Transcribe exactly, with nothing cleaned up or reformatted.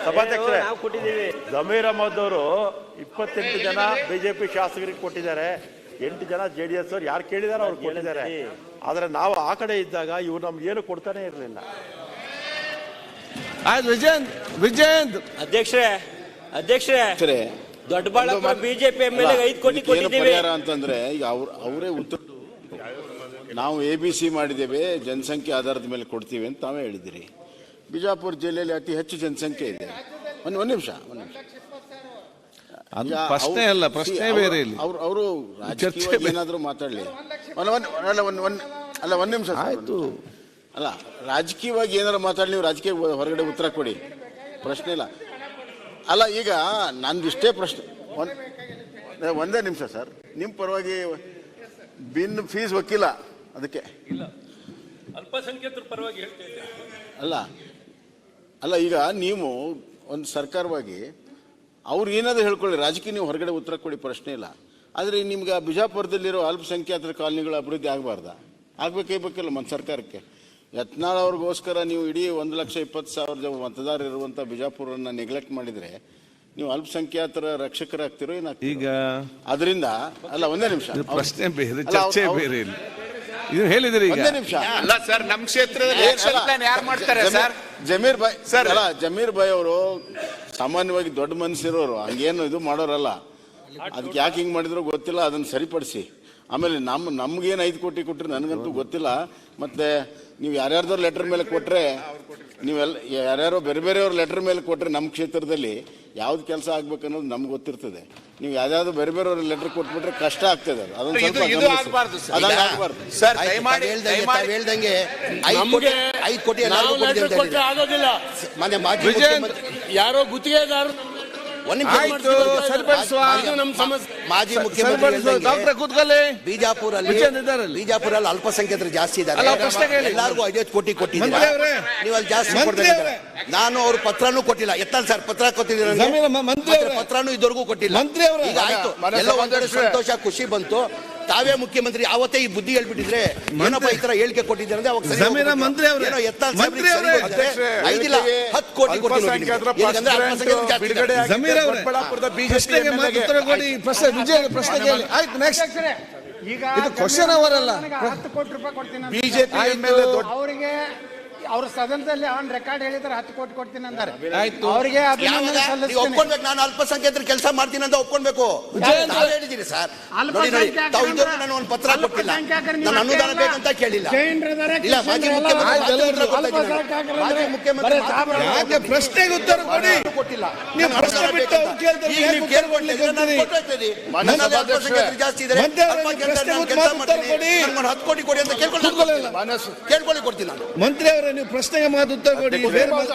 ಸಭಾಧ್ಯಕ್ಷರೇ, ಜಮೀರ್ ಅಹಮದ್ ಅವರು ಇಪ್ಪತ್ತೆಂಟು ಜನ ಬಿಜೆಪಿ ಶಾಸಕರಿಗೆ ಕೊಟ್ಟಿದ್ದಾರೆ, ಎಂಟು ಜನ ಜೆ ಡಿ ಎಸ್ ಅವ್ರು ಯಾರು ಕೇಳಿದಾರೆ ಅವ್ರು ಕೊಟ್ಟಿದ್ದಾರೆ. ಆದ್ರೆ ನಾವು ಆ ಕಡೆ ಇದ್ದಾಗ ಇವ್ರು ನಮ್ಗೆ ಏನು ಕೊಡ್ತಾನೆ ಇರಲಿಲ್ಲ. ಆಯ್ತು ವಿಜಯಂತ್ ವಿಜಯಂತ್ ಅಧ್ಯಕ್ಷರೇ ಅಧ್ಯಕ್ಷರೇ ದೊಡ್ಡಬಳ್ಳಾಪುರ ಬಿಜೆಪಿ ಎಂ ಎಲ್ ಐದು ಕೋಟಿ ಕೊಟ್ಟಿದ್ದೀವಿ ಅಂತಂದ್ರೆ ಈಗ ಅವ್ರ ಅವರೇ ಉತ್ತರ ನಾವು ಎ ಬಿ ಸಿ ಮಾಡಿದ್ದೇವೆ, ಜನಸಂಖ್ಯೆ ಆಧಾರದ ಮೇಲೆ ಕೊಡ್ತೀವಿ ಅಂತ ತಾವೇ ಹೇಳಿದಿರಿ. ಬಿಜಾಪುರ ಜಿಲ್ಲೆಯಲ್ಲಿ ಅತಿ ಹೆಚ್ಚು ಜನಸಂಖ್ಯೆ ಇದೆ. ಒಂದು ಒಂದು ನಿಮಿಷ ಒಂದು ನಿಮಿಷ ಪ್ರಶ್ನೆ ಅಲ್ಲ, ಪ್ರಶ್ನೆ ಬೇರೆ ಇಲ್ಲ. ಅವ್ರು ಅವರು ರಾಜಕೀಯವಾಗಿ ಏನಾದರೂ ಮಾತಾಡಲಿ. ಅಲ್ಲ ಒಂದು ಒಂದು ಅಲ್ಲ ಒಂದು ನಿಮಿಷ ಆಯ್ತು. ಅಲ್ಲ ರಾಜಕೀಯವಾಗಿ ಏನಾದ್ರು ಮಾತಾಡಲಿ, ನೀವು ರಾಜಕೀಯ ಹೊರಗಡೆ ಉತ್ತರ ಕೊಡಿ, ಪ್ರಶ್ನೆ ಇಲ್ಲ. ಅಲ್ಲ ಈಗ ನಂದು ಇಷ್ಟೇ ಪ್ರಶ್ನೆ, ಒಂದು ಒಂದೇ ನಿಮಿಷ ಸರ್. ನಿಮ್ಮ ಪರವಾಗಿ ಬಿನ್ ಫೀಸ್ ವಕೀಲ ಅದಕ್ಕೆ ಅಲ್ಪಸಂಖ್ಯಾತರ ಪರವಾಗಿ ಹೇಳ್ತೇನೆ. ಅಲ್ಲ ಅಲ್ಲ ಈಗ ನೀವು ಒಂದು ಸರ್ಕಾರವಾಗಿ ಅವ್ರು ಏನಾದರೂ ಹೇಳ್ಕೊಳ್ಳಿ, ರಾಜಕೀಯ ನೀವು ಹೊರಗಡೆ ಉತ್ತರ ಕೊಡಿ, ಪ್ರಶ್ನೆ ಇಲ್ಲ. ಆದರೆ ನಿಮ್ಗೆ ಬಿಜಾಪುರದಲ್ಲಿರೋ ಅಲ್ಪಸಂಖ್ಯಾತರ ಕಾಲನಿಗಳ ಅಭಿವೃದ್ಧಿ ಆಗಬಾರ್ದ? ಆಗ್ಬೇಕೇ ಬೇಕಿಲ್ಲ మన ಸರ್ಕಾರಕ್ಕೆ. ಯತ್ನಾಳ್ ಅವ್ರಿಗೋಸ್ಕರ ನೀವು ಇಡೀ ಒಂದು ಲಕ್ಷ ಇಪ್ಪತ್ತು ಸಾವಿರ ಮತದಾರರು ಇರುವಂಥ ಬಿಜಾಪುರನ್ನ ನೆಗ್ಲೆಕ್ಟ್ ಮಾಡಿದರೆ ನೀವು ಅಲ್ಪಸಂಖ್ಯಾತರ ರಕ್ಷಕರಾಗ್ತಿರೋ ಏನಾಗ್ತೀರಿ ಈಗ? ಅದರಿಂದ ಅಲ್ಲ ಒಂದೇ ನಿಮಿಷ, ಪ್ರಶ್ನೆ ಬೇರೆ, ಚರ್ಚೆ ಬೇರೆ ಇಲ್ಲ. ಇದು ಹೇಳಿದ್ರಿ ಈಗ. ಒಂದೇ ನಿಮಿಷ ಅಲ್ಲ ಸರ್, ನಮ್ಮ ಕ್ಷೇತ್ರದಲ್ಲಿ ಆಕ್ಷನ್ ಪ್ಲಾನ್ ಯಾರು ಮಾಡ್ತಾರೆ ಸರ್? ಜಮೀರ್ ಭಾಯ್ ಸರ್, ಅಲ್ಲ ಜಮೀರ್ ಭಾಯ್ ಅವರು ಸಾಮಾನ್ಯವಾಗಿ ದೊಡ್ಡ ಮನಸ್ಸಿರೋರು, ಹಂಗೇನು ಇದು ಮಾಡೋರಲ್ಲ. ಅದಕ್ಕೆ ಯಾಕೆ ಹಿಂಗೆ ಮಾಡಿದ್ರು ಗೊತ್ತಿಲ್ಲ, ಅದನ್ನು ಸರಿಪಡಿಸಿ. ಆಮೇಲೆ ನಮ್ಮ ನಮ್ಗೇನು ಐದು ಕೋಟಿ ಕೊಟ್ಟರೆ ನನಗಂತೂ ಗೊತ್ತಿಲ್ಲ. ಮತ್ತೆ ನೀವು ಯಾರ್ಯಾರ್ದವ್ರ ಲೆಟರ್ ಮೇಲೆ ಕೊಟ್ಟರೆ, ನೀವೆಲ್ಲ ಯಾರ್ಯಾರೋ ಬೇರೆ ಬೇರೆಯವ್ರ ಲೆಟರ್ ಮೇಲೆ ಕೊಟ್ಟರೆ ನಮ್ಮ ಕ್ಷೇತ್ರದಲ್ಲಿ ಯಾವ್ದು ಕೆಲಸ ಆಗ್ಬೇಕು ಅನ್ನೋದು ನಮ್ಗೆ ಗೊತ್ತಿರ್ತದೆ. ನೀವು ಯಾವ್ದಾದ್ರು ಬೇರೆ ಬೇರೆಯವ್ರ ಲೆಟರ್ ಕೊಟ್ಬಿಟ್ರೆ ಕಷ್ಟ ಆಗ್ತದೆ. ಅದೊಂದು ಸ್ವಲ್ಪ ಆಗಬಾರ್ದು ಸರ್. ದಯಮಾಡಿ ಹೇಳ್ದಂಗೆ ಐದು ಕೋಟಿ ಆಗೋದಿಲ್ಲ. ಯಾರೋ ಗುತ್ತಿಗೆದಾರರು ಮಾಜಿ ಮುಖ್ಯಮಂತ್ರಿ ಬಿಜಾಪುರಲ್ಲಿ ಬಿಜಾಪುರಲ್ಲಿ ಅಲ್ಪಸಂಖ್ಯಾತರು ಜಾಸ್ತಿ ಇದ್ದಾರೆ, ಎಲ್ಲರಿಗೂ ಐದೈದು ಕೋಟಿ ಕೊಟ್ಟಿದ್ದಾರೆ. ನೀವು ಅಲ್ಲಿ ಜಾಸ್ತಿ ಕೊಡ್ತಾರೆ. ನಾನು ಅವ್ರ ಪತ್ರನೂ ಕೊಟ್ಟಿಲ್ಲ. ಎತ್ತಲ್ಲ ಸರ್, ಪತ್ರ ಕೊಟ್ಟಿದ್ದೀರ, ಪತ್ರನೂ ಇದುವರೆಗೂ ಕೊಟ್ಟಿಲ್ಲ. ಈಗ ಆಯ್ತು, ಎಲ್ಲ ಒಂದೆರಡು ಸಂತೋಷ ಖುಷಿ ಬಂತು. ತಾವೇ ಮುಖ್ಯಮಂತ್ರಿ ಅವತ್ತೇ ಈ ಬುದ್ಧಿ ಹೇಳ್ಬಿಟ್ಟಿದ್ರೆ ಏನಪ್ಪ ಈ ತರ ಹೇಳಿಕೆ ಕೊಟ್ಟಿದ್ದಾರೆ ಅಂದ್ರೆ ಅವಾಗ ಐದಿಲ್ಲ ಹತ್ತು ಕೋಟಿ ಇದು ಕ್ವಶನ್ ಅವರಲ್ಲ. ಹತ್ತು ಕೋಟಿ ರೂಪಾಯಿ ಕೊಡ್ತೀನಿ ಬಿಜೆಪಿ ಅವರಿಗೆ. ಅವ್ರ ಸದನದಲ್ಲಿ ಅವನ್ ರೆಕಾರ್ಡ್ ಹೇಳಿದ್ರೆ ಹತ್ತು ಕೋಟಿ ಕೊಡ್ತೀನಿ ಅಂತಾರೆ. ಅವರಿಗೆ ಒಪ್ಕೊಳ್ಬೇಕು. ನಾನು ಅಲ್ಪಸಂಖ್ಯಾತರ ಕೆಲಸ ಮಾಡ್ತೀನಿ ಅಂತ ಒಪ್ಕೊಳ್ಬೇಕು. ಹೇಳಿದ್ದೀರಿ ಸರ್, ನಾನು ಒಂದು ಪತ್ರ ಕೊಟ್ಟಿಲ್ಲ, ನಾನು ಅನುದಾನ ಬೇಕಂತ ಕೇಳಿಲ್ಲ. ಇಲ್ಲ ಮಾಜಿ ಮುಖ್ಯಮಂತ್ರಿ ಯಾಕೆ ಪ್ರಶ್ನೆಗೆ ಉತ್ತರ ಕೊಡಿ, ಕೊಟ್ಟಿಲ್ಲ. ಜಾಸ್ತಿ ಇದ್ದಾರೆ, ಹತ್ತು ಕೋಟಿ ಕೊಡಿ ಅಂತ ಕೇಳ್ಕೊಳ್ಳಿ, ಕೇಳ್ಕೊಳ್ಳಿ ಕೊಡ್ತೀನಿ ನಾನು. ಮಂತ್ರಿ ಅವರೇ, ನೀವು ಪ್ರಶ್ನೆಗೆ ಮಾತು ಉತ್ತರ ಕೊಡಿ.